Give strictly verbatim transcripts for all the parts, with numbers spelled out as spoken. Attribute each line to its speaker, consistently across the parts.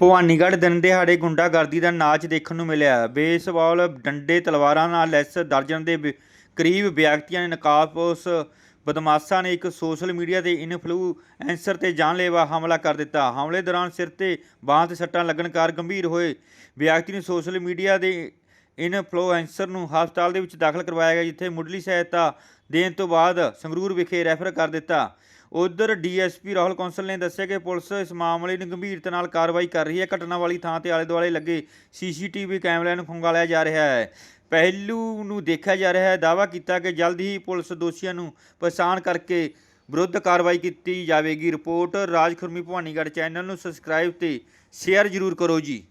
Speaker 1: ਭਵਾਨੀਗੜ੍ਹ ਦਿਨ ਦਿਹਾੜੇ ਗੁੰਡਾਗਰਦੀ ਦਾ ਨਾਚ ਦੇਖਣ ਨੂੰ ਮਿਲਿਆ। ਬੇਸਬਾਲ ਡੰਡੇ ਤਲਵਾਰਾਂ ਨਾਲ ਲੈਸ ਦਰਜਨ ਦੇ ਵਿ- ਕਰੀਬ ਵਿਅਕਤੀਆਂ ਨੇ ਨਕਾਬਪੋਸ਼ ਬਦਮਾਸ਼ਾਂ ਨੇ ਇੱਕ ਸੋਸ਼ਲ ਮੀਡੀਆ ਦੇ ਇਨਫਲੂਐਂਸਰ ਤੇ ਜਾਨਲੇਵਾ ਹਮਲਾ ਕਰ ਦਿੱਤਾ। ਹਮਲੇ ਦੌਰਾਨ ਸਿਰ ਤੇ ਬਾਂਹ ਤੇ ਸੱਟਾਂ ਲੱਗਣ ਕਾਰਨ ਗੰਭੀਰ ਹੋਏ ਵਿਅਕਤੀ ਨੂੰ ਸੋਸ਼ਲ ਮੀਡੀਆ ਦੇ ਇਨਫਲੂਐਂਸਰ ਨੂੰ ਹਸਪਤਾਲ ਦੇ ਵਿੱਚ ਦਾਖਲ ਕਰਵਾਇਆ ਗਿਆ, ਜਿੱਥੇ ਮੁੱਢਲੀ ਸਹਾਇਤਾ ਦੇਣ ਤੋਂ ਬਾਅਦ ਸੰਗਰੂਰ ਵਿਖੇ ਰੈਫਰ ਕਰ ਦਿੱਤਾ। ਉਧਰ D S P Rahul Kaushal ਨੇ ਦੱਸਿਆ ਕਿ ਪੁਲਿਸ ਇਸ ਮਾਮਲੇ ਨੂੰ ਗੰਭੀਰਤਾ ਨਾਲ ਕਾਰਵਾਈ ਕਰ ਰਹੀ ਹੈ। ਘਟਨਾ ਵਾਲੀ ਥਾਂ ਤੇ ਆਲੇ ਦੁਆਲੇ ਲੱਗੇ ਸੀ ਸੀ ਟੀ ਵੀ ਕੈਮਰਿਆਂ ਨੂੰ ਖੰਗਾਲਿਆ ਜਾ ਰਿਹਾ ਹੈ। ਪਹਿਲੂ ਨੂੰ ਦੇਖਿਆ ਜਾ ਰਿਹਾ ਹੈ। ਦਾਅਵਾ ਕੀਤਾ ਕਿ ਜਲਦ ਹੀ ਪੁਲਿਸ ਦੋਸ਼ੀਆਂ ਨੂੰ ਪਛਾਣ ਕਰਕੇ ਵਿਰੁੱਧ ਕਾਰਵਾਈ ਕੀਤੀ ਜਾਵੇਗੀ। ਰਿਪੋਰਟ ਰਾਜ ਖੁਰਮੀ ਭਵਾਨੀਗੜ੍ਹ। ਚੈਨਲ ਨੂੰ ਸਬਸਕ੍ਰਾਈਬ ਤੇ ਸ਼ੇਅਰ ਜ਼ਰੂਰ ਕਰੋ ਜੀ।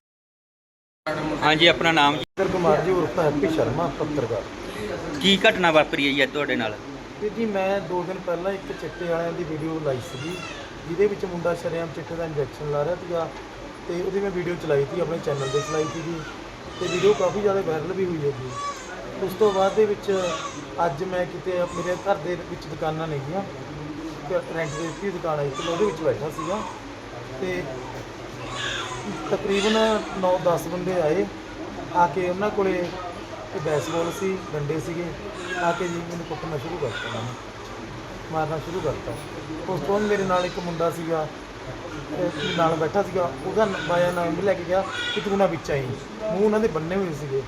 Speaker 1: ਹਾਂਜੀ, ਆਪਣਾ ਨਾਮ ਜੀ?
Speaker 2: ਇੰਦਰ ਕੁਮਾਰ ਜੀ ਉਰਫ ਹੈਪੀ ਸ਼ਰਮਾ, ਪੱਤਰਕਾਰ।
Speaker 1: ਕੀ ਘਟਨਾ ਵਾਪਰੀ ਹੈ ਜੀ ਅੱਜ ਤੁਹਾਡੇ ਨਾਲ?
Speaker 2: ਤੇ ਜੀ ਮੈਂ ਦੋ ਦਿਨ ਪਹਿਲਾਂ ਇੱਕ ਚਿੱਟੇ ਵਾਲਿਆਂ ਦੀ ਵੀਡੀਓ ਲਾਈ ਸੀਗੀ, ਜਿਹਦੇ ਵਿੱਚ ਮੁੰਡਾ ਸ਼ਰੇਆਮ ਚਿੱਟੇ ਦਾ ਇੰਜੈਕਸ਼ਨ ਲਾ ਰਿਹਾ ਸੀਗਾ, ਤੇ ਉਹਦੀ ਮੈਂ ਵੀਡੀਓ ਚਲਾਈ ਸੀ, ਆਪਣੇ ਚੈਨਲ 'ਤੇ ਚਲਾਈ ਸੀਗੀ, ਤੇ ਵੀਡੀਓ ਕਾਫੀ ਜ਼ਿਆਦਾ ਵਾਇਰਲ ਵੀ ਹੋਈ ਹੈ ਜੀ। ਉਸ ਤੋਂ ਬਾਅਦ ਦੇ ਵਿੱਚ ਅੱਜ ਮੈਂ ਕਿਤੇ ਮੇਰੇ ਘਰ ਦੇ ਵਿੱਚ ਦੁਕਾਨਾਂ ਨੇਗੀਆਂ, ਰੈਂਟ ਦੇ ਦਿੱਤੀ ਦੁਕਾਨ ਆਈ ਸੀ, ਉਹਦੇ ਵਿੱਚ ਬੈਠਾ ਸੀਗਾ, ਤੇ ਤਕਰੀਬਨ ਨੌ ਦਸ ਬੰਦੇ ਆਏ। ਆ ਕੇ ਉਹਨਾਂ ਕੋਲੇ ਬੈਸਬਾਲ ਸੀ, ਡੰਡੇ ਸੀਗੇ, ਆ ਕੇ ਜੀ ਮੈਨੂੰ ਕੁੱਟਣਾ ਸ਼ੁਰੂ ਕਰਤਾ, ਉਹਨਾਂ ਨੇ ਮਾਰਨਾ ਸ਼ੁਰੂ ਕਰਤਾ। ਉਸ ਤੋਂ ਬਾਅਦ ਮੇਰੇ ਨਾਲ ਇੱਕ ਮੁੰਡਾ ਸੀਗਾ, ਨਾਲ ਬੈਠਾ ਸੀਗਾ, ਉਹਦਾ ਬਾਇਆ ਨਾਮ ਵੀ ਲੈ ਕੇ ਗਿਆ ਕਿ ਤੂੰ ਨਾ ਵਿੱਚ ਆਈ, ਮੂੰਹ ਉਹਨਾਂ ਦੇ ਬੰਨੇ ਹੋਏ ਸੀਗੇ।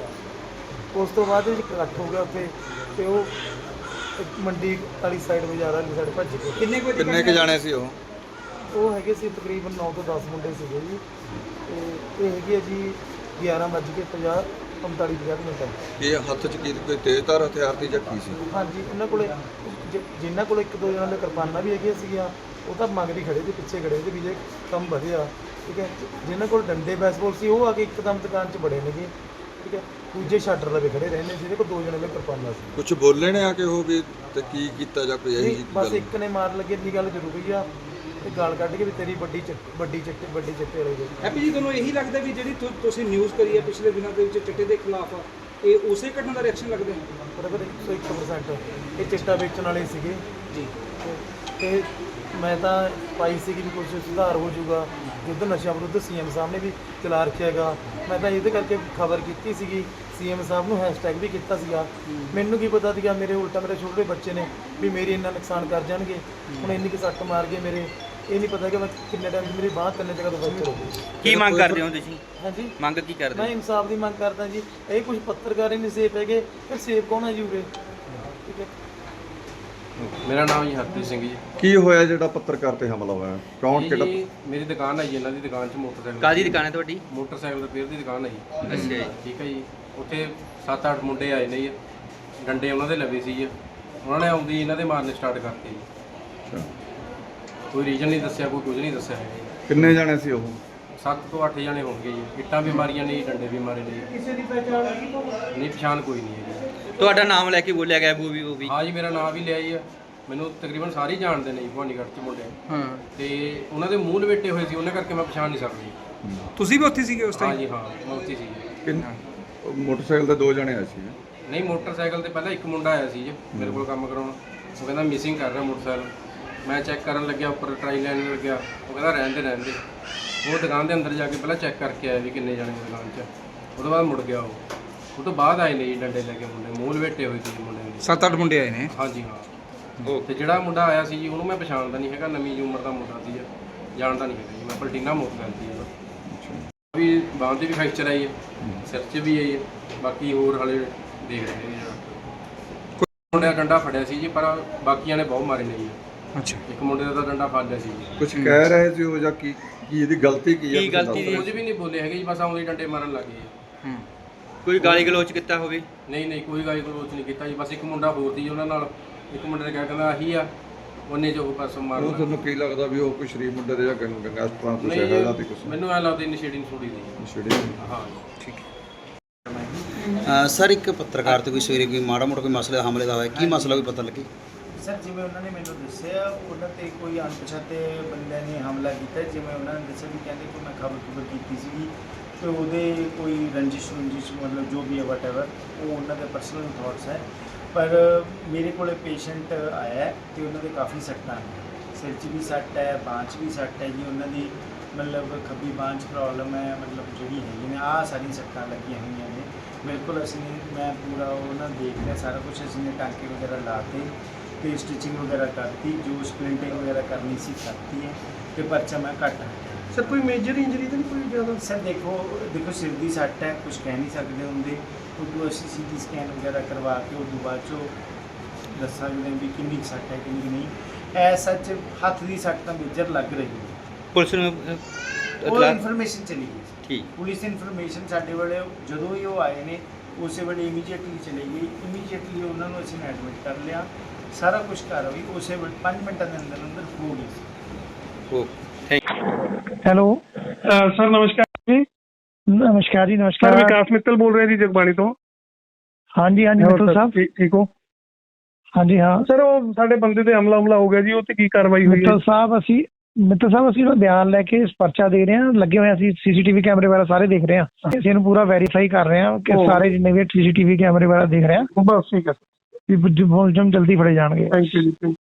Speaker 2: ਉਸ ਤੋਂ ਬਾਅਦ ਵਿੱਚ ਇਕੱਠ ਹੋ ਗਿਆ ਉੱਥੇ, ਅਤੇ ਉਹ ਮੰਡੀ ਵਾਲੀ ਸਾਈਡ ਬਾਜ਼ਾਰ ਵਾਲੀ ਸਾਈਡ ਭੱਜ ਗਏ। ਕਿੰਨੇ ਕੁ
Speaker 3: ਕਿੰਨੇ ਕੁ ਜਾਣੇ ਸੀ ਉਹ?
Speaker 2: ਉਹ ਹੈਗੇ ਸੀ ਤਕਰੀਬਨ ਨੌ ਤੋਂ ਦਸ ਮੁੰਡੇ ਸੀਗੇ ਜੀ, ਅਤੇ ਇਹ ਹੈਗੇ ਜੀ ਗਿਆਰਾਂ ਵੱਜ ਕੇ ਪੰਜਾਹ ਪੰਤਾਲੀ ਪੰਜਾਹ ਮਿੰਟ।
Speaker 3: ਇਹ ਹੱਥ 'ਚ ਕੀ ਕੋਈ ਤੇਜ਼ਧਾਰ ਹਥਿਆਰ ਦੀ ਜਾਂ ਕੀ ਸੀ?
Speaker 2: ਹਾਂਜੀ, ਉਹਨਾਂ ਕੋਲੇ ਜਿਨ੍ਹਾਂ ਕੋਲ ਇੱਕ ਦੋ ਜਣਾਂ ਦੇ ਕਿਰਪਾਨਾਂ ਵੀ ਹੈਗੀਆਂ ਸੀਗੀਆਂ, ਉਹ ਤਾਂ ਮੰਗਦੀ ਖੜੇ ਸੀ, ਪਿੱਛੇ ਖੜੇ ਸੀ ਵੀ ਜੇ ਕੰਮ ਵਧਿਆ, ਠੀਕ ਹੈ। ਜਿਨ੍ਹਾਂ ਕੋਲ ਡੰਡੇ ਬੈਸਬਾਲ ਸੀ, ਉਹ ਆ ਕੇ ਇੱਕਦਮ ਦੁਕਾਨ 'ਚ ਬੜੇ ਨੇਗੇ, ਠੀਕ ਹੈ। ਦੂਜੇ ਸ਼ਟਰ ਲਵੇ ਖੜੇ ਰਹਿੰਦੇ, ਜਿਹਦੇ ਕੋਲ ਦੋ ਜਣੇ ਦੇ ਕਿਰਪਾਨਾਂ ਸੀ।
Speaker 3: ਕੁਝ ਬੋਲੇ ਨੇ ਆ ਕੇ ਉਹ ਵੀ ਤੇ ਕੀ ਕੀਤਾ ਜਾਂ ਕੋਈ ਇਹੋ ਜਿਹੀ
Speaker 2: ਬਸ
Speaker 3: ਗੱਲ?
Speaker 2: ਇੱਕ ਨੇ ਮਾਰ ਲੱਗੇ ਇੰਨੀ ਗੱਲ ਜ਼ਰੂਰੀ ਆ, ਤੇ ਗਾਲ ਕੱਢ ਕੇ ਵੀ ਤੇਰੀ ਵੱਡੀ ਚਿੱਟ ਵੱਡੀ ਚਿੱਟੇ ਵੱਡੀ ਚਿੱਟੇ ਵਾਲੀ ਗਈ।
Speaker 4: ਹੈਪੀ ਜੀ, ਤੁਹਾਨੂੰ ਇਹੀ ਲੱਗਦਾ ਵੀ ਜਿਹੜੀ ਤੁ- ਤੁਸੀਂ ਨਿਊਜ਼ ਕਰੀ ਹੈ ਪਿਛਲੇ ਦਿਨਾਂ ਦੇ ਵਿੱਚ ਚਿੱਟੇ ਦੇ ਖਿਲਾਫ, ਇਹ ਉਸੇ ਘਟਨਾ ਦਾ ਰਿਐਕਸ਼ਨ ਲੱਗਦਾ ਹੈ?
Speaker 2: ਬਰਾਬਰ ਇੱਕ ਸੌ ਇੱਕ ਪਰਸੈਂਟ ਇਹ ਚਿੱਟਾ ਵੇਚਣ ਵਾਲੇ ਸੀਗੇ
Speaker 4: ਜੀ।
Speaker 2: ਤੇ ਮੈਂ ਤਾਂ ਪਾਈ ਸੀਗੀ ਵੀ ਕੁਛ ਸੁਧਾਰ ਹੋ ਜਾਊਗਾ, ਯੁੱਧ ਨਸ਼ਿਆਂ ਵਿਰੁੱਧ ਸੀ ਐਮ ਸਾਹਿਬ ਨੇ ਵੀ ਚਲਾ ਰੱਖਿਆ ਹੈਗਾ। ਮੈਂ ਤਾਂ ਇਹਦੇ ਕਰਕੇ ਖਬਰ ਕੀਤੀ ਸੀਗੀ, ਸੀ ਐਮ ਸਾਹਿਬ ਨੂੰ ਹੈਸ਼ਟੈਗ ਵੀ ਕੀਤਾ ਸੀਗਾ। ਮੈਨੂੰ ਕੀ ਪਤਾ ਸੀਗਾ ਮੇਰੇ ਉਲਟਾ ਮੇਰੇ ਛੋਟੇ ਬੱਚੇ ਨੇ ਵੀ ਮੇਰੇ ਇੰਨਾ ਨੁਕਸਾਨ ਕਰ ਜਾਣਗੇ। ਹੁਣ ਇੰਨੀ ਕੁ ਸੱਟ ਮਾਰ ਗਏ ਮੇਰੇ, ਇਹ ਨਹੀਂ ਪਤਾ ਕਿ ਮੈਂ ਕਿੰਨੇ ਟਾਈਮ ਮੇਰੀ ਬਾਂਹ ਤਿੰਨ ਜਗ੍ਹਾ ਤੋਂ ਫ੍ਰੈਕਚਰ ਹੋ ਗਈ।
Speaker 1: ਕੀ ਮੰਗ ਕਰਦੇ ਹੋ ਤੁਸੀਂ?
Speaker 2: ਹਾਂਜੀ,
Speaker 1: ਮੰਗ ਕੀ ਕਰਦੇ
Speaker 2: ਮੈਂ
Speaker 1: ਹੋ?
Speaker 2: ਇਨਸਾਫ ਦੀ ਮੰਗ ਕਰਦਾ ਜੀ। ਇਹ ਕੁਝ ਪੱਤਰਕਾਰ ਹੀ ਨਹੀਂ ਸੇਫ ਹੈਗੇ, ਫਿਰ ਸੇਫ ਕੌਣ ਹੈ ਜੀ ਉਰੇ? ਠੀਕ ਹੈ।
Speaker 5: ਮੇਰਾ ਨਾਮ ਜੀ ਹਰਪ੍ਰੀਤ ਸਿੰਘ ਜੀ।
Speaker 3: ਕੀ ਹੋਇਆ ਜਿਹੜਾ ਪੱਤਰਕਾਰ ਤੇ ਹਮਲਾ ਹੋਇਆ? ਕੌਣ
Speaker 5: ਜੀ
Speaker 3: ਕਿਹੜਾ?
Speaker 5: ਜੀ, ਮੇਰੀ ਦੁਕਾਨ ਹੈ ਜੀ, ਇਹਨਾਂ ਦੀ ਦੁਕਾਨ 'ਚ ਮੋਟਰਸਾਈਕਲ
Speaker 1: ਕਾਹਦੀ ਦੁਕਾਨ ਹੈ ਤੁਹਾਡੀ?
Speaker 5: ਮੋਟਰਸਾਈਕਲ ਰਿਪੇਅਰ ਦੀ ਦੁਕਾਨ ਹੈ ਜੀ।
Speaker 1: ਅੱਛਾ ਜੀ।
Speaker 5: ਠੀਕ ਹੈ ਜੀ। ਉੱਥੇ ਸੱਤ ਅੱਠ ਮੁੰਡੇ ਆਏ ਨੇ ਜੀ, ਡੰਡੇ ਉਹਨਾਂ ਦੇ ਲੱਗੇ ਸੀ ਜੀ, ਉਹਨਾਂ ਨੇ ਆਉਂਦੀ ਇਹਨਾਂ ਦੇ ਮਾਰਨੇ ਸਟਾਰਟ ਕਰਤੇ ਜੀ।
Speaker 3: ਅੱਛਾ,
Speaker 5: ਕੋਈ ਰੀਜ਼ਨ ਨਹੀਂ ਦੱਸਿਆ, ਕੋਈ ਕੁਝ ਨਹੀਂ ਦੱਸਿਆ ਹੈਗਾ ਜੀ।
Speaker 3: ਕਿੰਨੇ ਜਾਣੇ ਸੀ ਉਹ?
Speaker 5: ਸੱਤ ਤੋਂ ਅੱਠ ਜਣੇ ਹੋਣਗੇ ਜੀ। ਇੱਟਾਂ ਵੀ ਮਾਰੀਆਂ ਨੇ ਜੀ, ਡੰਡੇ ਵੀ ਮਾਰੇ ਨੇ ਜੀ।
Speaker 2: ਕਿਸੇ ਦੀ ਪਹਿਚਾਣ
Speaker 5: ਨਹੀਂ, ਪਛਾਣ ਕੋਈ ਨਹੀਂ ਹੈ ਜੀ।
Speaker 1: ਤੁਹਾਡਾ ਨਾਮ ਲੈ ਕੇ ਬੋਲਿਆ ਗਿਆ ਉਹ ਵੀ ਉਹ ਵੀ
Speaker 5: ਹਾਂ ਜੀ, ਮੇਰਾ ਨਾਮ ਵੀ ਲਿਆ ਜੀ। ਮੈਨੂੰ ਤਕਰੀਬਨ ਸਾਰੇ ਹੀ ਜਾਣਦੇ ਨੇ ਜੀ ਭਵਾਨੀਗੜ੍ਹ 'ਚ ਮੁੰਡੇ।
Speaker 1: ਹਾਂ।
Speaker 5: ਤੇ ਉਹਨਾਂ ਦੇ ਮੂੰਹ ਲਪੇਟੇ ਹੋਏ ਸੀ, ਉਹਨਾਂ ਕਰਕੇ ਮੈਂ ਪਛਾਣ ਨਹੀਂ ਸਕਦੀ।
Speaker 4: ਤੁਸੀਂ ਵੀ ਉੱਥੇ ਸੀਗੇ ਉਸ
Speaker 5: ਹਾਂ
Speaker 4: ਟਾਈਮ?
Speaker 5: ਜੀ, ਹਾਂ, ਮੈਂ ਉੱਥੇ ਸੀ।
Speaker 3: ਕਿੰਨ ਮੋਟਰਸਾਈਕਲ ਤੇ ਦੋ ਜਣੇ ਆਏ ਸੀ?
Speaker 5: ਨਹੀਂ, ਮੋਟਰਸਾਈਕਲ ਤੇ ਪਹਿਲਾਂ ਇੱਕ ਮੁੰਡਾ ਆਇਆ ਸੀ ਜੀ ਮੇਰੇ ਕੋਲ ਕੰਮ ਕਰਾਉਣ। ਉਹ ਕਹਿੰਦਾ ਮਿਸਿੰਗ ਕਰ ਰਿਹਾ ਮੋਟਰਸਾਈਕਲ। ਮੈਂ ਚੈੱਕ ਕਰਨ ਲੱਗਿਆ, ਉੱਪਰ ਟਰਾਈ ਲੈਣ ਲੱਗਿਆ, ਉਹ ਕਹਿੰਦਾ ਰਹਿਣ ਦੇ ਰਹਿਣ ਦੇ। ਉਹ ਦੁਕਾਨ ਦੇ ਅੰਦਰ ਜਾ ਕੇ ਪਹਿਲਾਂ ਚੈੱਕ ਕਰਕੇ ਆਇਆ ਵੀ ਕਿੰਨੇ ਜਾਣੇ ਦੁਕਾਨ 'ਚ। ਉਹ ਤੋਂ ਬਾਅਦ ਮੁੜ ਗਿਆ। ਉਹ ਉਹ ਤੋਂ ਬਾਅਦ ਆਏ ਨੇ ਜੀ ਡੰਡੇ ਲੈ ਕੇ ਮੁੰਡੇ, ਮੂੰਹ ਲਪੇਟੇ ਹੋਏ ਸੀ ਮੁੰਡੇ ਦੇ।
Speaker 4: ਸੱਤ ਅੱਠ ਮੁੰਡੇ ਆਏ ਨੇ?
Speaker 5: ਹਾਂਜੀ ਹਾਂ। ਤੇ ਜਿਹੜਾ ਮੁੰਡਾ ਆਇਆ ਸੀ ਜੀ, ਉਹਨੂੰ ਮੈਂ ਪਛਾਣਦਾ ਨਹੀਂ ਹੈਗਾ, ਨਵੀਂ ਉਮਰ ਦਾ ਮੁੰਡਾ ਸੀ, ਜਾਣਦਾ ਨਹੀਂ ਹੈਗਾ ਜੀ ਮੈਂ। ਪਲਟੀਨਾ ਮੋਟਰਸਾਈਕਲ ਸੀ ਉਹਦਾ ਵੀ। ਬਾਂਹ 'ਤੇ ਵੀ ਫ੍ਰੈਕਚਰ ਆਈ ਹੈ, ਸਿਰ 'ਚ ਵੀ ਆਈ ਹੈ, ਬਾਕੀ ਹੋਰ ਹਾਲੇ ਦੇਖ ਰਹੇ ਨੇ ਜੀ। ਕੋਈ ਮੁੰਡੇ ਦਾ ਡੰਡਾ ਫੜਿਆ ਸੀ ਜੀ, ਪਰ ਬਾਕੀਆਂ ਨੇ ਬਹੁਤ ਮਾਰੇ ਨੇ ਜੀ।
Speaker 4: ਅੱਛਾ।
Speaker 5: ਇੱਕ ਮੁੰਡੇ ਦਾ ਤਾਂ ਡੰਡਾ ਫੜ ਲਿਆ ਸੀ ਜੀ।
Speaker 3: ਕੁਝ ਕਹਿ ਰਹੇ ਸੀ ਉਹ ਜਾਂ ਕੀ ਕੀ ਇਹਦੀ ਗਲਤੀ ਕੀ ਹੈ?
Speaker 1: ਕੀ ਗਲਤੀ ਦੀ?
Speaker 5: ਕੁਝ ਵੀ ਨਹੀਂ ਬੋਲੇ ਹੈਗੇ ਜੀ, ਬਸ ਆਉਂਦੇ ਡੰਡੇ ਮਾਰਨ ਲੱਗ ਗਏ।
Speaker 1: ਹੂੰ। ਕੋਈ ਗਾਲੀ ਗਲੋਚ ਕੀਤਾ ਹੋਵੇ?
Speaker 5: ਨਹੀਂ ਨਹੀਂ, ਕੋਈ ਗਾਲੀ ਗਲੋਚ ਨਹੀਂ ਕੀਤਾ ਜੀ। ਬਸ ਇੱਕ ਮੁੰਡਾ ਹੋਰ ਸੀ ਉਹਨਾਂ ਨਾਲ, ਇੱਕ ਮੁੰਡੇ ਨੇ ਕਿਹਾ ਕਹਿੰਦਾ ਆਹੀ ਆ, ਉਹਨੇ ਜੋ ਪਾਸੋਂ ਮਾਰ
Speaker 3: ਉਹ
Speaker 5: ਲਿਆ।
Speaker 3: ਤੁਹਾਨੂੰ ਕੀ ਲੱਗਦਾ ਵੀ ਉਹ ਕੋਈ ਸ਼ਰੀਫ ਮੁੰਡੇ ਦੇ ਜਾਂ ਗੰ- ਗੰਗਾ ਸਤਰਾਂ ਕੁਛ
Speaker 5: ਨਹੀਂ
Speaker 3: ਹੈਗਾ ਜਾਂ ਤੇ
Speaker 5: ਜੀ,
Speaker 3: ਕੁਛ?
Speaker 5: ਮੈਨੂੰ ਐਂ ਲੱਗਦਾ ਇਨੀਸ਼ੀਏਟਿਵ ਥੋੜੀ ਦੀ।
Speaker 3: ਛੇੜੀ
Speaker 5: ਹਾਂ।
Speaker 4: ਠੀਕ ਹੈ।
Speaker 6: ਸਰ, ਇੱਕ ਪੱਤਰਕਾਰ ਤੇ ਕੋਈ ਸਵੇਰੇ ਕੋਈ ਮਾੜਾ ਮੋਟਾ ਕੋਈ ਮਸਲੇ ਦਾ ਹਮਲੇ ਦਾ ਹੋਇਆ, ਕੀ ਮਸਲਾ ਕੋਈ ਪਤਾ ਲੱਗੇ?
Speaker 7: ਸਰ, ਜਿਵੇਂ ਉਹਨਾਂ ਨੇ ਮੈਨੂੰ ਦੱਸਿਆ, ਉਹਨਾਂ 'ਤੇ ਕੋਈ ਅਣਪਛਾਤੇ ਬੰਦਿਆਂ ਨੇ ਹਮਲਾ ਕੀਤਾ। ਜਿਵੇਂ ਉਹਨਾਂ ਨੇ ਦੱਸਿਆ ਵੀ ਕਹਿੰਦੇ ਕਿ ਮੈਂ ਖਬਰ ਖਬਰ ਕੀਤੀ ਸੀਗੀ, ਤੇ ਉਹਦੇ ਕੋਈ ਰੰਜਿਸ਼ ਰੰਜਿਸ਼ ਮਤਲਬ ਜੋ ਵੀ ਹੈ ਵਟ ਐਵਰ, ਉਹ ਉਹਨਾਂ ਦੇ ਪਰਸਨਲ ਥਾਟਸ ਹੈ। ਪਰ ਮੇਰੇ ਕੋਲ ਪੇਸ਼ੈਂਟ ਆਇਆ ਹੈ ਤੇ ਉਹਨਾਂ ਦੇ ਕਾਫੀ ਸੱਟਾਂ ਨੇ, ਸਿਰ 'ਚ ਵੀ ਸੱਟ ਹੈ, ਬਾਂਹ 'ਚ ਵੀ ਸੱਟ ਹੈ ਜੀ ਉਹਨਾਂ ਦੀ, ਮਤਲਬ ਖੱਬੀ ਬਾਂਹ 'ਚ ਪ੍ਰੋਬਲਮ ਹੈ, ਮਤਲਬ ਜਿਹੜੀ ਹੈਗੀ ਨੇ ਆਹ ਸਾਰੀਆਂ ਸੱਟਾਂ ਲੱਗੀਆਂ ਹੋਈਆਂ ਨੇ। ਬਿਲਕੁਲ ਅਸੀਂ ਮੈਂ ਪੂਰਾ ਉਹਨਾਂ ਦੇਖ ਲਿਆ ਸਾਰਾ ਕੁਝ, ਅਸੀਂ ਨੇ ਟਾਂਕੇ ਵਗੈਰਾ ਲਾਤੇ ਤੇ ਸਟਿਚਿੰਗ ਵਗੈਰਾ ਕਰਤੀ, ਜੋ ਸਪਲਿੰਟਿੰਗ ਵਗੈਰਾ ਕਰਨੀ ਸੀ ਕਰਤੀ ਹੈ ਤੇ ਪਰਚਾ ਮੈਂ ਘੱਟ ਹੈ।
Speaker 4: ਸਰ ਕੋਈ ਮੇਜਰ ਇੰਜਰੀ ਤਾਂ ਨਹੀਂ ਕੋਈ ਜ਼ਿਆਦਾ?
Speaker 7: ਸਰ ਦੇਖੋ ਦੇਖੋ ਸਿਰ ਦੀ ਸੱਟ ਹੈ, ਕੁਝ ਕਹਿ ਨਹੀਂ ਸਕਦੇ ਹੁੰਦੇ, ਉਦੋਂ ਅਸੀਂ ਸੀ ਟੀ ਸਕੈਨ ਵਗੈਰਾ ਕਰਵਾ ਕੇ ਉਦੋਂ ਬਾਅਦ 'ਚੋਂ ਦੱਸਾਂਗੇ ਵੀ ਕਿੰਨੀ ਕੁ ਸੱਟ ਹੈ ਕਿੰਨੀ ਕੁ ਨਹੀਂ। ਐ ਸੱਚ ਹੱਥ ਦੀ ਸੱਟ ਤਾਂ ਮੇਜਰ ਲੱਗ ਰਹੀ ਹੈ।
Speaker 1: ਪੁਲਿਸ ਨੂੰ
Speaker 7: ਉਹ
Speaker 1: ਇਤਲਾਹ
Speaker 7: ਇਨਫੋਰਮੇਸ਼ਨ ਚਲੀ ਗਈ ਸੀ।
Speaker 1: ਠੀਕ।
Speaker 7: ਪੁਲਿਸ ਇਨਫੋਰਮੇਸ਼ਨ ਸਾਡੇ ਵੇਲੇ ਜਦੋਂ ਹੀ ਉਹ ਆਏ ਨੇ ਉਸੇ ਵੇਲੇ ਇਮੀਡੀਏਟਲੀ ਚਲੀ ਗਈ। ਇਮੀਡੀਏਟਲੀ ਉਹਨਾਂ ਨੂੰ ਅਸੀਂ ਐਡਮਿਟ ਕਰ ਲਿਆ, ਸਾਰਾ ਕੁਝ ਕਾਰਵਾਈ ਉਸੇ ਵੇਲੇ ਪੰਜ ਮਿੰਟਾਂ ਦੇ ਅੰਦਰ ਅੰਦਰ ਹੋ ਗਈ ਸੀ।
Speaker 1: ਓ ਥੈਂਕ
Speaker 8: ਹੈਲੋ
Speaker 9: ਸਰ ਨਮਸਕਾਰ ਜੀ।
Speaker 8: ਨਮਸਕਾਰ ਜੀ।
Speaker 9: ਸਰ
Speaker 8: ਨਮਸਕਾਰ।
Speaker 9: ਵਿਕਾਸ ਮਿੱਤਲ ਬੋਲ ਰਿਹਾ ਜੀ ਜਗਬਾਣੀ ਤੋਂ।
Speaker 8: ਹਾਂਜੀ ਹਾਂਜੀ ਮਿੱਤਲ ਸਾਹਿਬ।
Speaker 9: ਠੀਕ ਠੀਕ ਹੋ?
Speaker 8: ਹਾਂਜੀ ਹਾਂ
Speaker 9: ਸਰ ਉਹ ਸਾਡੇ ਬੰਦੇ ਤੇ ਹਮਲਾ ਹਮਲਾ ਹੋ ਗਿਆ ਜੀ, ਉਹ ਤੇ ਕੀ ਕਾਰਵਾਈ ਹੋਈ ਹੈ?
Speaker 8: ਮਿੱਤਲ ਸਾਹਿਬ ਅਸੀਂ ਮਿੱਤਲ ਸਾਹਿਬ ਅਸੀਂ ਉਹਦਾ ਬਿਆਨ ਲੈ ਕੇ ਪਰਚਾ ਦੇ ਰਹੇ ਹਾਂ, ਲੱਗੇ ਹੋਏ ਅਸੀਂ ਸੀਸੀਟੀਵੀ ਕੈਮਰੇ ਵਗੈਰਾ ਸਾਰੇ ਦੇਖ ਰਹੇ ਹਾਂ, ਅਸੀਂ ਇਹਨੂੰ ਪੂਰਾ ਵੈਰੀਫਾਈ ਕਰ ਰਹੇ ਹਾਂ ਕਿ
Speaker 9: ਓ।
Speaker 8: ਸਾਰੇ ਜਿੰਨੇ ਵੀ ਸੀਸੀਟੀਵੀ ਕੈਮਰੇ ਵਗੈਰਾ ਦੇਖ ਰਹੇ ਹਾਂ
Speaker 9: ਬਸ ਠੀਕ ਹੈ
Speaker 8: ਵੀ ਮੁਲਜ਼ਮ ਜਲਦੀ ਫੜੇ ਜਾਣਗੇ।
Speaker 9: ਥੈਂਕ ਯੂ ਜੀ।